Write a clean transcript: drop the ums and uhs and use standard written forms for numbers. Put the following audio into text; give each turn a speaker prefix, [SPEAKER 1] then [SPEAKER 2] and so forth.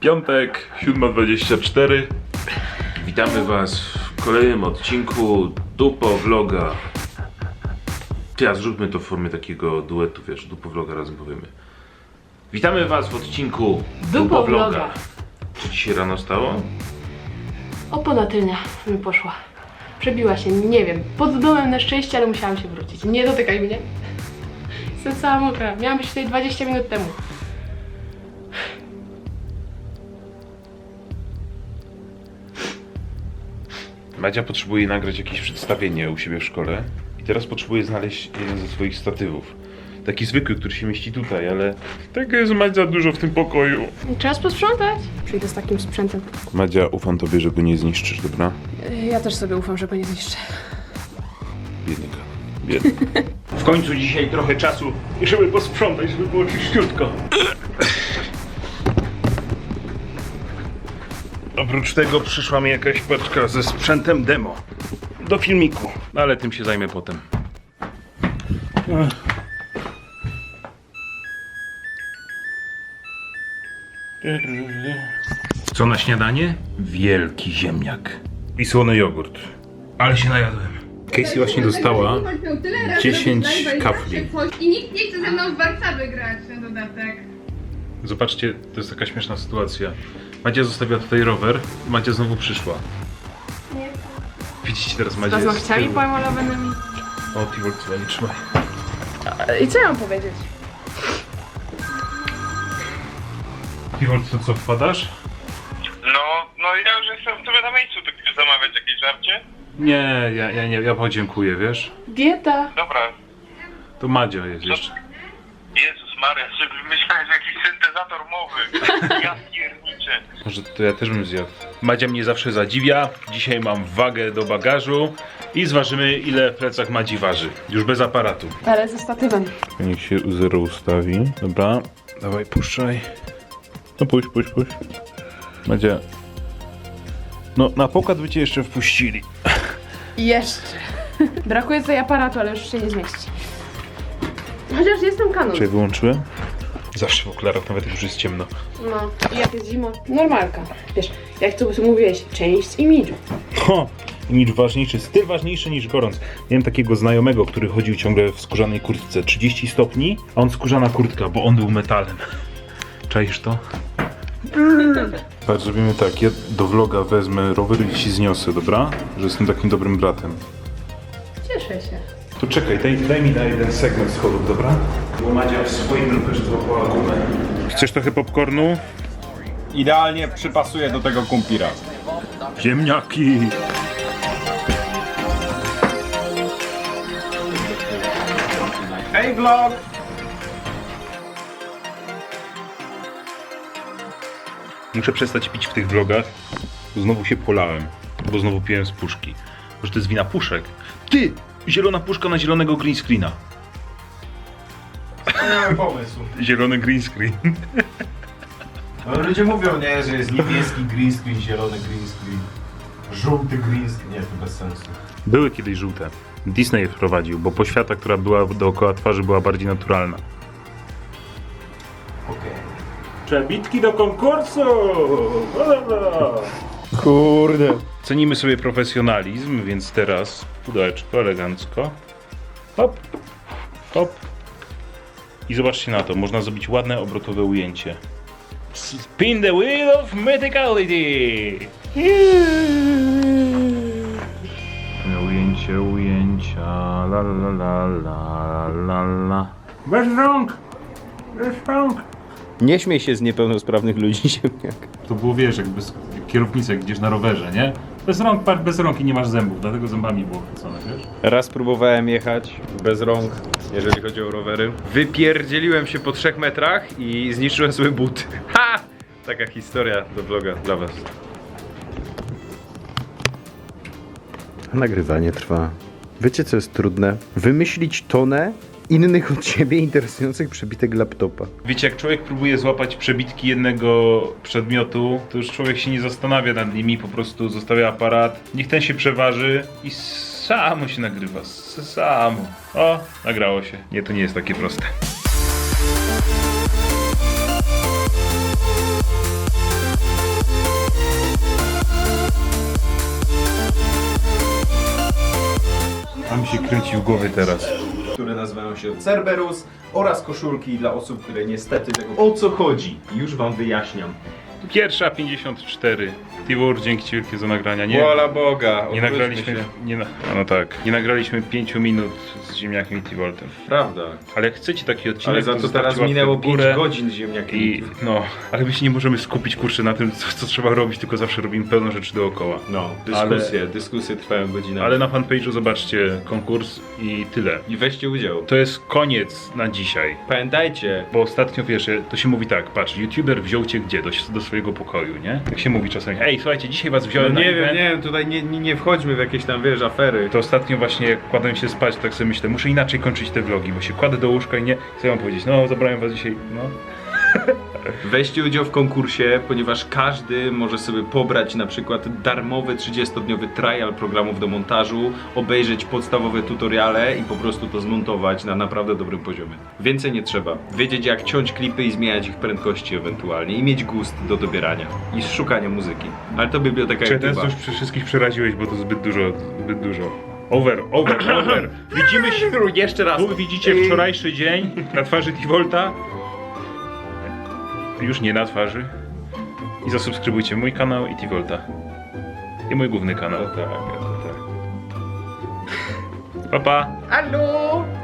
[SPEAKER 1] Piątek, 7:24. Witamy was w kolejnym odcinku Dupo Vloga. Teraz zróbmy to w formie takiego duetu, wiesz, Dupo Vloga razem powiemy. Witamy was w odcinku Dupo Vloga. Co dzisiaj rano stało?
[SPEAKER 2] Opona tylnia mi poszła. Przebiła się, nie wiem, pod domem na szczęście, ale musiałam się wrócić. Nie dotykaj mnie. Jestem cała mokra. Miałam być tutaj 20 minut temu.
[SPEAKER 1] Madzia potrzebuje nagrać jakieś przedstawienie u siebie w szkole i teraz potrzebuje znaleźć jeden ze swoich statywów. Taki zwykły, który się mieści tutaj, ale tego jest Madzia dużo w tym pokoju.
[SPEAKER 2] Czas posprzątać. Przyjdę z takim sprzętem.
[SPEAKER 1] Madzia, ufam tobie, że go nie zniszczysz, dobra?
[SPEAKER 2] Ja też sobie ufam, że go nie zniszczę.
[SPEAKER 1] Biednika. Biedny. W końcu dzisiaj trochę czasu, żeby posprzątać, żeby było czyściutko. Oprócz tego przyszła mi jakaś paczka ze sprzętem demo do filmiku, ale tym się zajmę potem. Co na śniadanie? Wielki ziemniak i słony jogurt. Ale się najadłem. Casey właśnie dostała 10 kafli.
[SPEAKER 3] I nikt nie chce ze mną w Warszawy grać na dodatek.
[SPEAKER 1] Zobaczcie, to jest taka śmieszna sytuacja. Madzia zostawiła tutaj rower, Madzia znowu przyszła.
[SPEAKER 2] Nie.
[SPEAKER 1] Widzicie teraz Madzia
[SPEAKER 2] Z
[SPEAKER 1] jest z
[SPEAKER 2] paznokciami
[SPEAKER 1] tyłu.
[SPEAKER 2] pomalowanymi.
[SPEAKER 1] O, Tivol, nie trzymaj.
[SPEAKER 2] I co ja mam powiedzieć?
[SPEAKER 1] Tivol, co wpadasz?
[SPEAKER 4] No ja już jestem sobie na miejscu, to chcesz zamawiać jakieś żarcie?
[SPEAKER 1] Nie, ja podziękuję, wiesz?
[SPEAKER 2] Dieta.
[SPEAKER 4] Dobra.
[SPEAKER 1] To Madzia jest jeszcze.
[SPEAKER 4] Jezus Maria, sobie myślałem, że jakiś syntezator mowy. Ja pierniczę.
[SPEAKER 1] Może to ja też bym zjadł. Madzia mnie zawsze zadziwia. Dzisiaj mam wagę do bagażu i zważymy, ile w plecach Madzi waży. Już bez aparatu.
[SPEAKER 2] Ale ze statywem.
[SPEAKER 1] Niech się u zero ustawi. Dobra, dawaj, puszczaj. No puść. Madzia. No, na pokład by cię jeszcze wpuścili.
[SPEAKER 2] Jeszcze. Brakuje tutaj aparatu, ale już się nie zmieści. Chociaż jestem kanon.
[SPEAKER 1] Czy wyłączyłem? Zawsze w okularach, nawet jak już jest ciemno.
[SPEAKER 2] No, i jak jest zima? Normalka. Wiesz, jak to mówiłeś, część imidżu.
[SPEAKER 1] Ho! Imidż ważniejszy, styl ważniejszy niż gorąc. Miałem takiego znajomego, który chodził ciągle w skórzanej kurtce. 30 stopni, a on skórzana kurtka, bo on był metalem. Czaisz to? Patrz, zrobimy tak, ja do vloga wezmę rower i ci zniosę, dobra? Że jestem takim dobrym bratem.
[SPEAKER 2] Cieszę się.
[SPEAKER 1] To czekaj, daj mi na jeden segment schodów, dobra? Bo Madzia w swoim rowerze złapała gumę. Chcesz trochę popcornu?
[SPEAKER 5] Idealnie przypasuje do tego kumpira.
[SPEAKER 1] Ziemniaki!
[SPEAKER 5] Hej vlog!
[SPEAKER 1] Muszę przestać pić w tych vlogach, bo znowu się polałem, bo znowu piłem z puszki. Może to jest wina puszek? Ty! Zielona puszka na zielonego green screena.
[SPEAKER 5] Wspaniały pomysł.
[SPEAKER 1] Zielony green screen.
[SPEAKER 5] No, ludzie mówią, nie, że jest niebieski green screen, zielony green screen, żółty green screen. Nie, to bez sensu.
[SPEAKER 1] Były kiedyś żółte. Disney je wprowadził, bo poświata, która była dookoła twarzy, była bardziej naturalna.
[SPEAKER 5] Okej.
[SPEAKER 1] Przebitki do konkursu!
[SPEAKER 5] Kurde.
[SPEAKER 1] Cenimy sobie profesjonalizm, więc teraz pudełeczko elegancko. Hop, hop. I zobaczcie na to, można zrobić ładne obrotowe ujęcie. Spin the wheel of mythicality! Ujęcia, la la la la la la. Bez rąk! Bez rąk!
[SPEAKER 5] Nie śmiej się z niepełnosprawnych ludzi, ziemniak.
[SPEAKER 1] To było, wiesz, jakby kierownicę, jak idziesz na rowerze, nie? Bez rąk i nie masz zębów, dlatego zębami było chwycone, wiesz?
[SPEAKER 5] Raz próbowałem jechać bez rąk, jeżeli chodzi o rowery. Wypierdzieliłem się po 3 metrach i zniszczyłem sobie buty. Ha! Taka historia do vloga dla was. Nagrywanie trwa. Wiecie co jest trudne? Wymyślić tonę innych od siebie interesujących przebitek laptopa.
[SPEAKER 1] Wiecie, jak człowiek próbuje złapać przebitki jednego przedmiotu, to już człowiek się nie zastanawia nad nimi, po prostu zostawia aparat, niech ten się przeważy i samo się nagrywa, samo. O, nagrało się. Nie, to nie jest takie proste. ci kręci w głowie teraz.
[SPEAKER 5] Które nazywają się Cerberus oraz koszulki dla osób, które niestety tego... O co chodzi? Już wam wyjaśniam.
[SPEAKER 1] Pierwsza 54. Tibor, dzięki ci wielkie za nagrania. Nie,
[SPEAKER 5] Wola Boga,
[SPEAKER 1] nie
[SPEAKER 5] odwróćmy
[SPEAKER 1] nagraliśmy.
[SPEAKER 5] się.
[SPEAKER 1] No tak. Nie nagraliśmy 5 minut z ziemniakiem i Tivoltem.
[SPEAKER 5] Prawda.
[SPEAKER 1] Ale jak chcecie taki odcinek,
[SPEAKER 5] Ale za to
[SPEAKER 1] zostawcie
[SPEAKER 5] teraz
[SPEAKER 1] łapkę
[SPEAKER 5] minęło
[SPEAKER 1] w
[SPEAKER 5] 5
[SPEAKER 1] górę.
[SPEAKER 5] godzin z ziemniakiem.
[SPEAKER 1] I no, ale my się nie możemy skupić kurczę na tym, co trzeba robić, tylko zawsze robimy pełno rzeczy dookoła.
[SPEAKER 5] No, dyskusje trwają godzinami.
[SPEAKER 1] Ale na fanpage'u zobaczcie konkurs i tyle.
[SPEAKER 5] I weźcie udział.
[SPEAKER 1] To jest koniec na dzisiaj.
[SPEAKER 5] Pamiętajcie,
[SPEAKER 1] Bo ostatnio, wiesz, to się mówi tak, patrz, youtuber wziął cię gdzie? Do swojego pokoju, nie? Tak się mówi czasami, ej, słuchajcie, dzisiaj was wziąłem na event.
[SPEAKER 5] nie wiem, tutaj nie wchodźmy w jakieś tam, wiesz, afery.
[SPEAKER 1] To ostatnio właśnie jak kładłem się spać, tak sobie myślę, muszę inaczej kończyć te vlogi, bo się kładę do łóżka i nie chcę wam powiedzieć, no zabrałem was dzisiaj, no.
[SPEAKER 5] Weźcie udział w konkursie, ponieważ każdy może sobie pobrać na przykład darmowy 30-dniowy trial programów do montażu, obejrzeć podstawowe tutoriale i po prostu to zmontować na naprawdę dobrym poziomie. Więcej nie trzeba. Wiedzieć jak ciąć klipy i zmieniać ich prędkości ewentualnie i mieć gust do dobierania i szukania muzyki. Ale to biblioteka
[SPEAKER 1] Czy teraz
[SPEAKER 5] YouTube'a.
[SPEAKER 1] już przy wszystkich przeraziłeś, bo to zbyt dużo. Over. Widzimy się,
[SPEAKER 5] Jeszcze raz.
[SPEAKER 1] tu widzicie wczorajszy dzień na twarzy Tivolta. Już nie na twarzy. I zasubskrybujcie mój kanał i Tivolta. I mój główny kanał.
[SPEAKER 5] Tak.
[SPEAKER 1] Pa pa!
[SPEAKER 5] Hallo!